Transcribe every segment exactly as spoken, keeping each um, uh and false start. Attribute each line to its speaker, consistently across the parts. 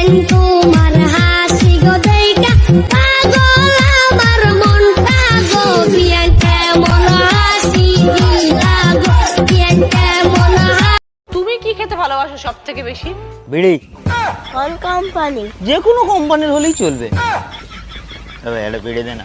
Speaker 1: তোমার হাসি গো দেইকা পাগল আমার মনটা গো বিয়ান কেমন হাসি দিলা গো বিয়ান কেমন।
Speaker 2: তুমি কি খেতে ভালোবাসো সব থেকে বেশি?
Speaker 3: বিড়ি।
Speaker 1: কোন কোম্পানি?
Speaker 3: যে কোনো কোম্পানির হলেই চলবে। তবে এটা বিড়ি দে না।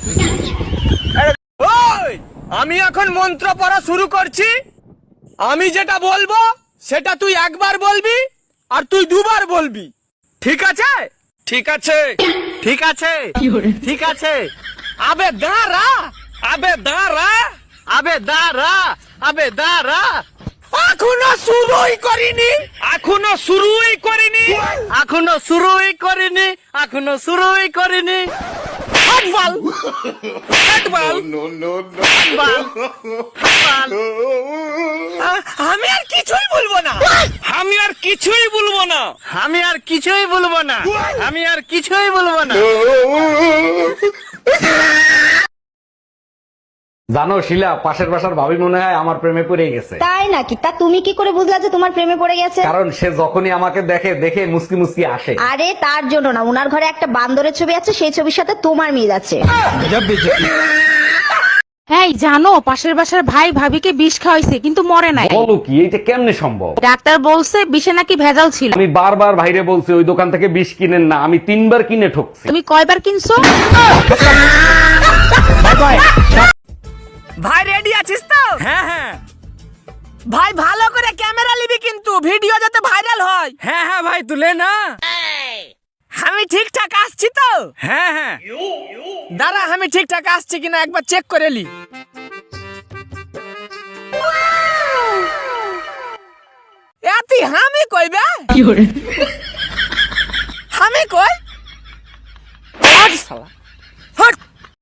Speaker 4: ওই আমি এখন মন্ত্র পড়া শুরু করছি, আমি যেটা বলবো সেটা তুই একবার বলবি আর তুই দুবার বলবি, ঠিক আছে? ঠিক আছে, ঠিক আছে, ঠিক আছে। আবে দাঁড়া, আবে দাঁড়া, আবে দাঁড়া, আবে দাঁড়া। এখনো শুরুই করিনি, এখনো শুরুই করিনি, এখনো শুরুই করিনি, এখনো শুরুই করিনি। হাতবাল, হাতবাল, হাতবাল, হাতবাল। আ- আমি আর কিছুই বলবো না, আমি আর কিছুই বলবো না, আমি আর কিছুই বলবো না, আমি আর কিছুই বলবো না।
Speaker 5: জানো শিলা, পাশের বাসার ভাবি মনে হয় আমার প্রেমে পড়ে গেছে।
Speaker 6: তাই নাকি? তা তুমি কি করে বুঝলা যে তোমার প্রেমে পড়ে গেছে?
Speaker 5: কারণ সে যখনই আমাকে দেখে দেখে মুসকি মুসকি আসে।
Speaker 6: আরে তার জন্য না, উনার ঘরে একটা বান্দরের ছবি আছে, সেই ছবির সাথে তোমার মিল আছে।
Speaker 2: হ্যাঁ জানো, পাশের বাসার ভাই ভাবিকে বিষ খাওয়াইছে কিন্তু মরে নাই।
Speaker 5: বলো কি, এইটা কেমনে সম্ভব?
Speaker 2: ডাক্তার বলছে বিষে নাকি ভেজাল ছিল।
Speaker 5: আমি বারবার ভাইরে বলছি ওই দোকান থেকে বিষ কিনেন না, আমি তিনবার কিনে ঠকছি।
Speaker 2: তুমি কয়বার কিনছো?
Speaker 4: ভাই রেডি আছিস তো? হ্যাঁ হ্যাঁ ভাই, ভালো করে ক্যামেরা নিবি কিন্তু ভিডিও যাতে ভাইরাল হয়। হ্যাঁ হ্যাঁ ভাই তুলে না। আমি ঠিকঠাক আসছি তো? হ্যাঁ হ্যাঁ দাঁড়া, আমি ঠিকঠাক আসছি কিনা একবার চেক করে লি। এতি আমি কইবে আমি কই? আজ শালা